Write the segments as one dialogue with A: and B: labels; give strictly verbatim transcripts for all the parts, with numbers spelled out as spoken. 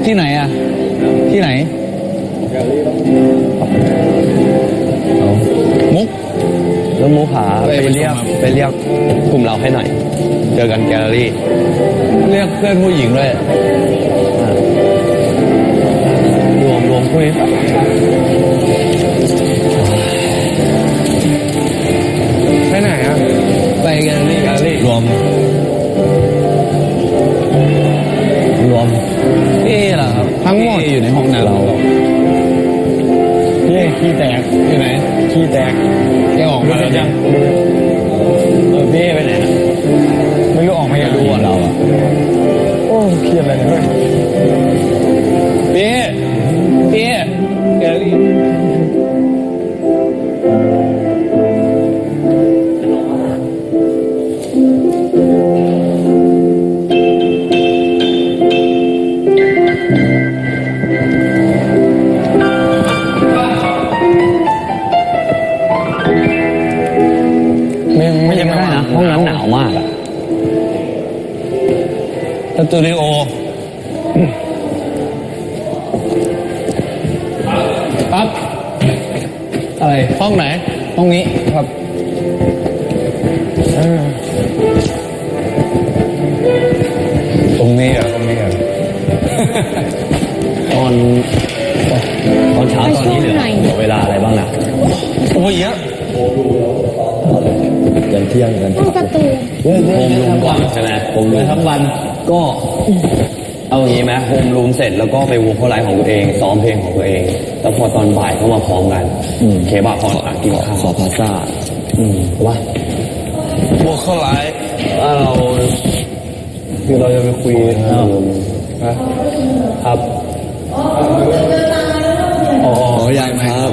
A: ที่ไหนอ่ะที่ไหนเอามุก
B: แล้วมุกหาไปเรียกไปเรียกกลุ่มเราให้หน่อยเจอกันแกลเลอรี่
A: เรียกเพื่อนผู้หญิงด้วย
B: รวมรวมคุย
A: ไปไหนอ่ะไปแกลเลอรี่แกลเลอรี่รวม
B: รวม
A: นี่แหละครับทั้งหมดอยู่ในห้องนั้นเรา
B: พี่ขี้แตก
A: ที่ไหน
B: ขี้แตก
A: แกออกมาแล้วยัง
B: เออพี่ไปไหนนะไม่รู้ออกมาอยากดูอ่ะเราอ่ะโอ้เครียดอะไรเนี่ย
A: พี่พี่แกลเลอรี่
B: ไม่ยังไม่ได้นะห้องน้ำหนาวมากอะ
A: สตูดิโอครับอะไรห้องไหนห้องนี้ครับตรงนี้อ่ะตรงนี้อ่ะ
B: ตอนตอนเช้าตอนนี้เหลือเหลือเวลาอะไรบ้างนะ
A: โอ้ยเยอะ
B: ยันเที่ยงกัน
C: ประตู
B: โฮมรูมก่อนใช่ไหมโฮมรูม
A: ทั้งวัน
B: ก็เอาอย่างนี้ไหมโฮมรูมเสร็จแล้วก็ไปวงเข้าไลฟ์ของตัวเองซ้อมเพลงของตัวเองแล้วพอตอนบ่ายก็มาพร้อมกันเคบับพอกินข้าวขอพาซ่าอืมว่า
A: วงเข้าไลฟ์
B: เราคือเราจะไปคุยครับ
A: อ๋อยังครับ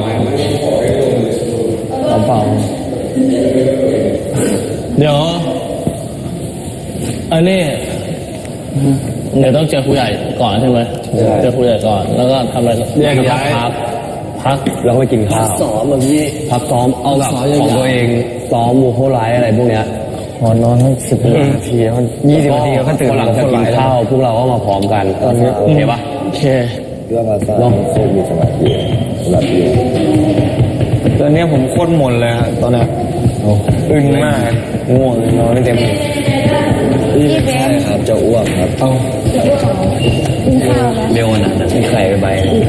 B: เปล่า
A: เดี๋ยวอันนี้เดี๋ยวต้องเจอครูใหญ่ก่อนใช่ไหมเจอครูใหญ่ก่อนแล้วก็ทำอะไร
B: แยกย้ายพักพักแล้วไปกินข้าว
A: ซ้อมแบบนี้
B: พักซ้อมเอาแบบของตัวเองซ้อมมูโคไลท์อะไรพวกเนี้ย
A: พอนอนทั้งสิบนาทีมัน
B: ยี่สิบนาทีก็ตื่นหลังจากกินข้าวพวกเราก็มาพร้อมกันโอเคปะ
A: โอเค
B: เรื่องภาษาต้องโคตรมีสมาธิสมาธิ
A: ตอนนี้ผมโคตรหมดเลยฮะตอนนี้อึนมากง่วงนอนไม่เต็ม
C: พี่เบน
B: ครับจะอ้วกครับ
A: เอา
C: กินข้าวแล้ว
B: เร็วขนาดนั้นไม่ใครไปไป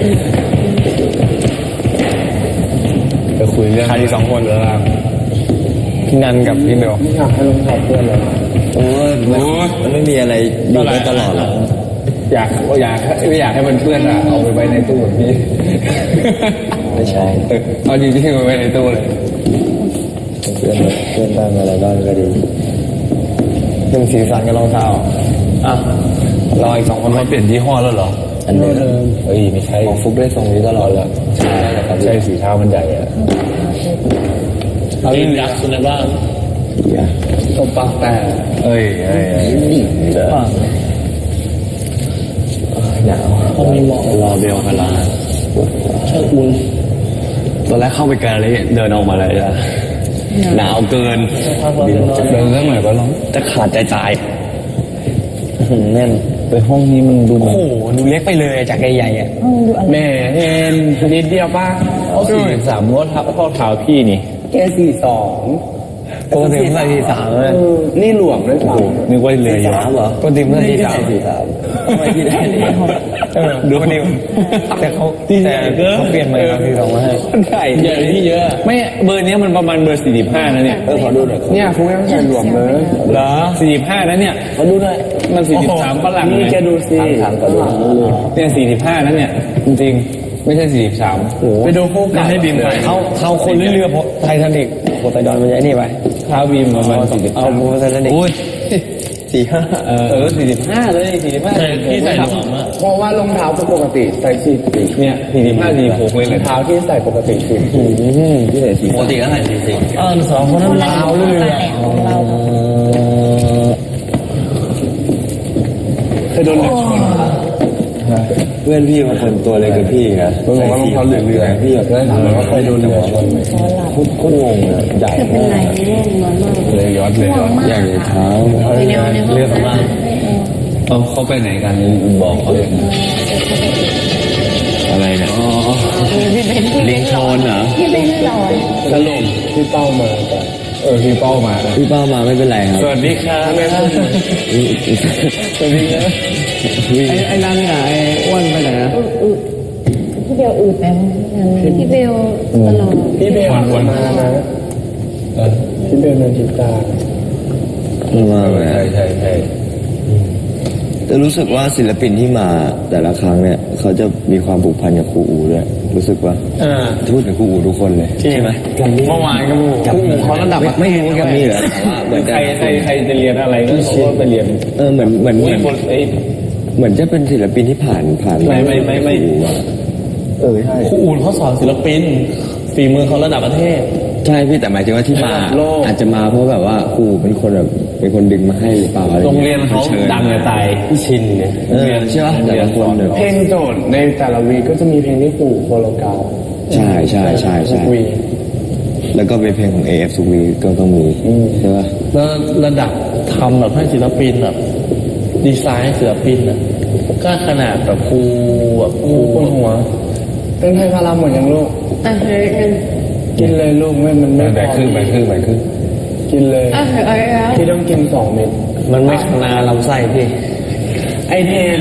A: ไปคุยเรื่องใครสองคนเหรอครับพี่นันกับพี่เบล
B: อยากให้ลงทับเพื่อนเลยโอ้ยมันไม่มีอะไรอยู่ได้ตลอดหรอก
A: อยากอยากไม่อยากให้มันเพื่อนอ่ะเอาไปไว้ในตู้แบบนี้
B: ไม่ใช่
A: เอาจริงๆไปไว้ในตู้เลย
B: เพื่อนเพื่อนบ้างอะไรบ้างก็ดี
A: เป็นสีสันกับรองเท้าอ่ะเราอีกสองคนมาเปลี่ยนยี่ห้อแล้วเหรอ
B: อันเดิม
A: เฮ้ยไม่ใช่
B: ของฟุกได้ทรงนี้ตลอดเลย
A: ใช่ครับใช่สีเท้ามันใหญ่อะเอาลิ้นยักษ์อะไรบ้างตบปากแต่เอ้ยเอ้ย
B: หนาว
A: เขามีหมอก
B: รอเบลกันละ
A: เชิญคุณ
B: ตอนแรกเข้าไปแกลเลยเดินออกมาเลยอะหนาวเกิน
A: เดินเรื่องไหนก็ร้อง
B: จะขาดใจตายแน่น
A: ไปห้องนี้มันดู
B: โอ้โหดูเล็กไปเลยจากใหญ่ๆอ่ะ
A: แม่เห็นนิดเดียวป่ะเขาสี่สามมดทับข้อเท้าพี่นี่
B: แกสี่สอง
A: ปกติมันใส่สี่สามเลย
B: นี่หลวมด้วยครับ
A: นึกว่าเลย
B: สามเหรอ
A: ปกติมันใส่สี่สาม
B: สี่สามไม่ที่ได้เลย
A: ดูคนเดียวแต่เขาแต่เขาเปลี่ยนมาสี่สองมาให้
B: ใหญ่
A: ใหญ่ที่เยอะไม่เบอร์นี้มันประมาณเบอร์สี่สิบห้านะเนี่ย
B: เออขอดูหน่อย
A: เนี่ยคุณไม่ต้องใส่หลวมเลยเหรอสี่สิบห้านะเนี่ย
B: ขอดูหน่อย
A: มันสี่สิบสามฝรั่ง
B: นี่แกดูสิ
A: ถามก่อนเนี่ยสี่สิบห้านะเนี่ยจริงไม่ใช่สี่สิบสามไปดูคู่กันให้บีมไป
B: เขาเขาคนเรือไททานิกโพไซดอนมันจะนี่ไป
A: เท้าบีมประมาณสี่สิบ
B: เอาโพไซดอนิกสี่ห้า
A: เออสี่สิบห้าเลยสี่สิบห้าที่ใส่หลวมอะ
B: เพราะว่ารองเท้าปกติใส่สี่สิบ
A: เนี่ยสี่สิบห้าสี่หกเลย
B: เท้าที่ใส่ปกติสี่ที่ใส่สี่
A: ปกติก็ใส่สี่สิบ
B: เออสองคนนั้นเท้าเรื่อย
A: เคยโดนเหล็กชน
B: เพื่อนพี่บางคนตัวเล็กกับพี่นะ
A: ใส่สี่
B: เรือพี่อยากได้ถามว่าเคยโดนเรือชนไหมโคตรงงอ่ะใหญ่
C: มากเลยย้อนมาก
A: เลยย้อนเลยย้อน
B: ใหญ่เท้า
A: เรือสำราญเอเขาเขาไปไหนกันบอกเขาเลยอะไรเนี่ยอ๋อ
B: ลิงโชนเหรอ
C: พี่เบนหล่อ
A: สรุปพี่เป้ามากันเออพี่เป้ามา
B: พี่เป้ามาไม่เป็นไรครับ
A: สวัสดีครับสวัสดีครับ
B: ไอ้ไอ้นั่นไงไอ้อ้วนไปไหนนะ
C: พี่เบลอืดไปพี่เบลตลอด
A: พี่เบลวันมานะพี่เบลนันทิตา
B: มาไหม
A: ใช่ใช่ใช่
B: แต่รู้สึกว่าศิลปินที่มาแต่ละครั้งเนี่ยเขาจะมีความผูกพันกับครูอูด้วยรู้สึกว่า
A: อ่า
B: พูดถึงครูอูทุกคนเลยใช่ไหม
A: เมื่อวานก็ครูเขาระดับ
B: ไม่รู้กับมีเหรอแต่ว่าเหมือน
A: ใค
B: จะ
A: รใครใครจะเรียนอะไรก็เขาก็ไปเรียน
B: เออเหมือนเหมือนเหมือน
A: คนเอ้ย
B: เหมือนจะเป็นศิลปินที่ผ่านผ่าน
A: ไม่ไม่ไม่ไม่
B: ครูอะเออใช่
A: ครูอูนเขาสอนศิลปินฝีมือเขาระดับประเทศ
B: ใช่พี่แต่หมายถึงว่าที่มา
A: ระดับโลก
B: อาจจะมาเพราะแบบว่าครูเป็นคนแบบเป็นคนดึงมาให้หรือเปล่าอะไร
A: โรงเรียนเขา
B: ชิญ
A: ดังจะตายพี่ชินเนี่ย
B: เออใช่ปะแต่ละคนแบบ
D: เพลงโจทย์ในแต่ละวีก็จะมีเพลงที่ปู่โคโลกาว
B: ใช่ใช่ใช่ใช่
D: ทุกวี
B: แล้วก็เป็นเพลงของ เอ เอฟ สุวีก็ต้องมีใช่ปะ
A: แล้วระดับทำแบบให้ศิลปินแบบดีไซน์ให้ศิลปินอ่ะก็ขนาดแบบครูแบบครู
D: ปวดหัวเต้นให้พารามหมดยังลูก
C: อ่ะเฮ้ย
D: กินเลยลูกไม่มันไม่
A: แบ่งครึ่งแบ่งครึ่งแบ่งครึ่ง
D: กินเลย
C: อ่ะเฮ้ยแล้ว
D: พี่ต้องกินสองเม็ด
A: มันไม่คณาลำไส้พี่
D: ไอเทน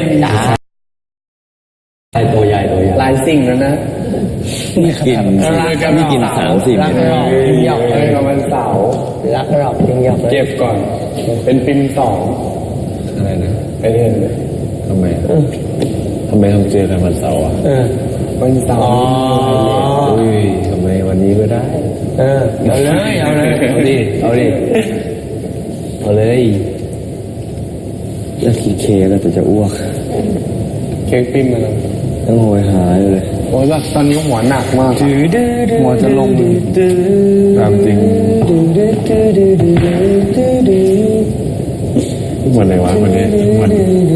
B: ใช่ตัวใหญ่ตัวใหญ่
D: หลายสิ่งแล้วนะ
B: กินไม่กินสามสี่เม็ด
D: กินหยอกเลยกับวันเสาร์
C: รักหรอกจริงหยอกเลย
D: เก็บก่อน เป็นปิมสอง
A: อะไรนะ
D: ไอเทนเลย
A: ทำไมทำไมต้องเจอกันวันเสาร์อ่ะ
D: เออวันเสาร์
A: อุ้ยทำไมวันนี้ก็ได้
D: เออเอาเลยเอาเลย
A: เอาดิเอาดิเอาเลย
B: จะกินเค้กแล้วแต่จะอ้วก
D: เค้กปิมมาแล้ว
B: ต้องโหยหายเลย
D: โอ้ยแบบตอนนี้หัวหนักมากอะหัวจะลง
A: ตามจริงวันไหนวะวันนี้วัน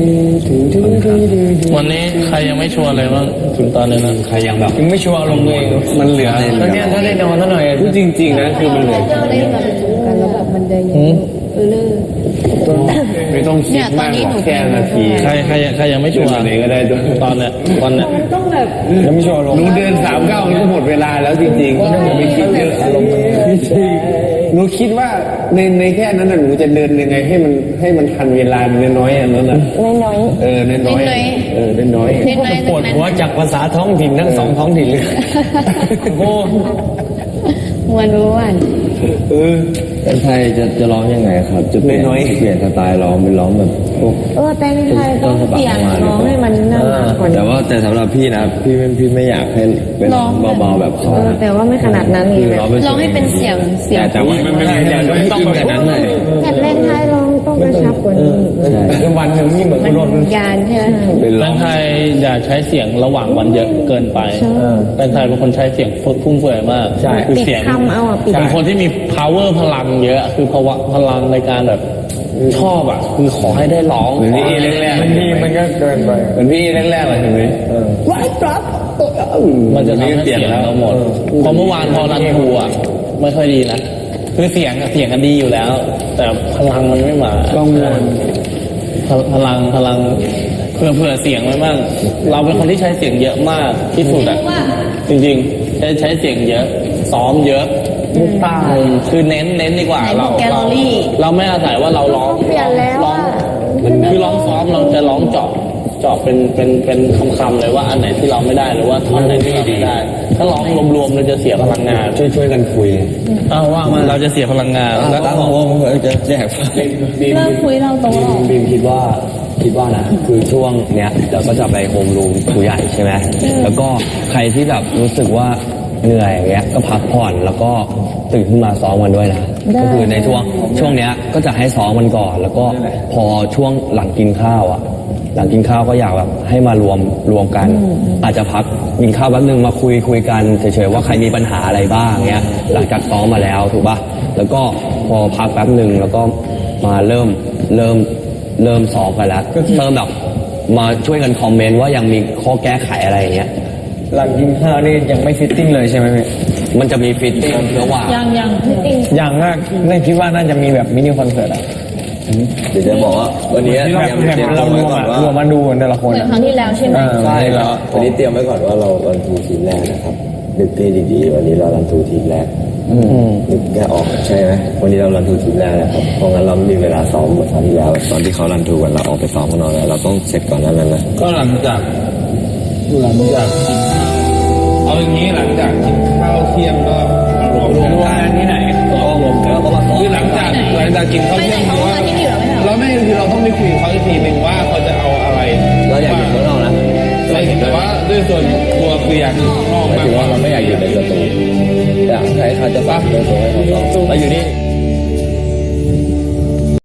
A: วันนี้ใครยังไม่ชวนเลยว่าถึงตอนนี้นะ
B: ใครยังแบบ
D: ยังไม่ชัวร์ลงตัวเองมันเหลือแล้วเนี่ยถ้าได้นอนซะหน่อยพูดจริงๆนะคือมันเหลือ
C: เจ้าเล่นกับกันแล้วแบบมันจะยังเออเลื่อ
D: ไม่ต้องคิดมากหรอกแค่นาที
A: ใครใครใครยังไม่ชวน
D: ไหนก็ได้ด้วย
A: ตอนเนี้ยตอนเนี้ย
C: ต้องแบบ
D: ยังไม่ชัวร์ลงหนูเดินสามเก้านี่ก็หมดเวลาแล้วจริงๆถ้าหนูไม่คิดเยอะอารมณ์มันหนูคิดว่าในในแค่นั้นน่ะหนูจะเดินยังไงให้มันให้มันทันเวลาน้อยๆอันนั้นน่ะ
C: น้อย
D: เออน้อยๆเออน้อยๆ
C: เล็กน้อย
D: ปวดหัวจากภาษาท้องถิ่นทั้งสองท้องถิ่นเลยโอ้
C: มวนรู้วัน
D: เออ
B: เป็นไทยจะจะร้องยังไงครับ จะเปลี่ยน
D: น้อยๆ
B: เปลี่ยนสไตล์ร้องเป็นร้องแบบพวก
C: เออแต่ในไทยต้องเสียงร้องให้มันน่ารักกว่า
B: แต่
C: นี้
B: ว่าแต่สำหรับพี่นะพี่ไม่พี่ไม่อยากให้เป็นร้องเบาๆแบบเขา
C: เออแต่ว่าไม่ขนาดนั้นไงแบบร้องให้เป็นเสียงเสียง
B: แต่ว่าไม่ไม่ไม่ต้องแบบนั้นเลย
C: แต่เล่นไทยร้องต้องกระชับกว่านี้
B: ใช่
D: คือวันหนึ่งนี่เหมือน
C: มั
D: คุ
C: น
D: ณรถ
C: ยานใช่ไหม
B: เป็นร้
A: แต
B: อง
A: งไทยอย่าใช้เสียงระหว่างวันเยอะเกินไปแตงไทยเป็นคนใช้เสียงฟุ่มเฟือยมากคือ
C: ปิด
A: เสียง
C: คำเอาอ่ะปิด
A: เป็นคนที่มี power พลังเยอะคือภาวะพลังในการแบบชอบอ่ะคือขอให้ได้ร้อง
D: เหมือนพี่แรกๆมันพี่มันก็เกินไปเหมือนพี่แรกๆเลยเห็นไหมไว้ครับ
A: มันจะทำให้เสียงเราหมดเพราะเมื่อวานพอรันทูอ่ะไม่ค่อยดีนะคือเสียงอะเสียงกันดีอยู่แล้ว แต่พลังมันไม่มา
D: กังวล
A: พพลังพลังเผื่อเผื่อเสียงไว้บ้างเราเป็นคนที่ใช้เสียงเยอะมากที่สุดอ่ะจริงๆใช้ใช้เสียงเยอะซ้อมเยอะมุกตาคือเน้นเน้นดีกว่าเราเราเราไม่อาศัยว่าเราร้อง
C: เปลี่ยนแล้ว
A: ร้อง
C: อ่ะ
A: คือร้องซ้อมเราจะร้องเจาะเจาะเป็นเป็นเป็นคำๆเลยว่าอันไหนที่เราไม่ได้หรือว่าท่อนไหนที่เราไม่ได้ ถ้าร้องรวมๆเราจะเสียพลังงาน
B: ช่วยช่วยกันคุย
A: อ้าวว่ามาเราจะเสียพลังงานแล้ว
B: ตั้งวงจะแจกไฟ
C: เลิกคุยเราตรงหรอก
B: บีมคิดว่าคิดว่านะคือช่วงเนี้ยเดี๋ยวก็จะไปโฮมรูมครูใหญ่ใช่ไหมแล้วก็ใครที่แบบรู้สึกว่าเหนื่อยอย่างเงี้ยก็พักผ่อนแล้วก็ตื่นขึ้นมาซ้อมกันด้วยนะก็คือในช่วงช่วงเนี้ยก็จะให้ซ้อมมันก่อน แล้วก็พอช่วงหลังกินข้าวอ่ะ หลังกินข้าวก็อยากแบบให้มารวมรวมกัน อาจจะพักกินข้าวแป๊บนึงมาคุยคุยกันเฉยๆว่าใครมีปัญหาอะไรบ้างเงี้ยหลังจากซ้อมมาแล้วถูกป่ะแล้วก็พอพักแป๊บนึงแล้วก็มาเริ่มเริ่มเริ่มซ้อมกันแล้วเริ่มแบบมาช่วยกันคอมเมนต์ว่ายังมีข้อแก้ไขอะไรอย่างเงี้ย
D: หลังกินข้าวนี่ยังไม่ฟิตติ้งเลยใช่ไหมพี่
B: มันจะมีฟิตติ้งระหว่าง
C: ยังยังจริง
D: อย่างมากน่าคิดว่าน่าจะมีแบบมินิคอนเสิร์ตอ่ะ
E: เดี๋ยวจะบอกว่าวันนี้เตรียมเตรียม
D: เรา
E: ตัว
D: ร
E: ไว้
D: วม
E: ก่อน
D: อะ
E: ว่าร
D: วมมาดูกันแต่ละคน
C: เหมือน
D: อะ
C: ครั้งที่แล้วใช่ไหม
E: ใช่แล้ววันนี้เตรียมไว้ก่อนว่าเรารันทูทีมแรกนะครับนึกให้ดีๆวันนี้เรารันทูทีมแรกนึกแค่ออกใช่ไหมวันนี้เรารันทูทีมแรกนะครับเพราะงั้นเราไม่มีเวลาซ้อมเหมือนครั้งที่แล้วตอนที่เขารันทูกันเราออกไปซ้อมกันนอนแล้วเราต้องเสร็จก่อนนั้นนะ
D: ก็หลังจากหลังจากกินข้าวเอาอย่างนี้หลังจากกินข้าวเที่ยงก็มารวม
A: รวมกันที่ไหนก็รวมกันแล้วก็มาซ้อม
D: คือหลังจากหลังจากกินข้าว
C: ไม่
D: เที่
C: ไหน
D: ยง
C: เขา
D: คือว่า
C: มาที่นี่อยู่แล้วไม่ใช่เหรอ
D: เราไม่คือเราต้องไปคุยกับเขาอีกทีหนึ่งว่าเขาจะเอาอะไร
E: เราอยากอยู่ข้างนอกนะ
D: เราเห็นแต่ว่าด้วยส่วนตัวคืออยากอยู่ข้างนอก
E: หมาย
D: มาก
E: ถึง
D: ก
E: ว่า
D: ว่า
E: เราไม่อยากอยู่ในสตูอยากให้เขาจะปรับเรื่องตัวให้เขาซ้อมเราอยู่นี่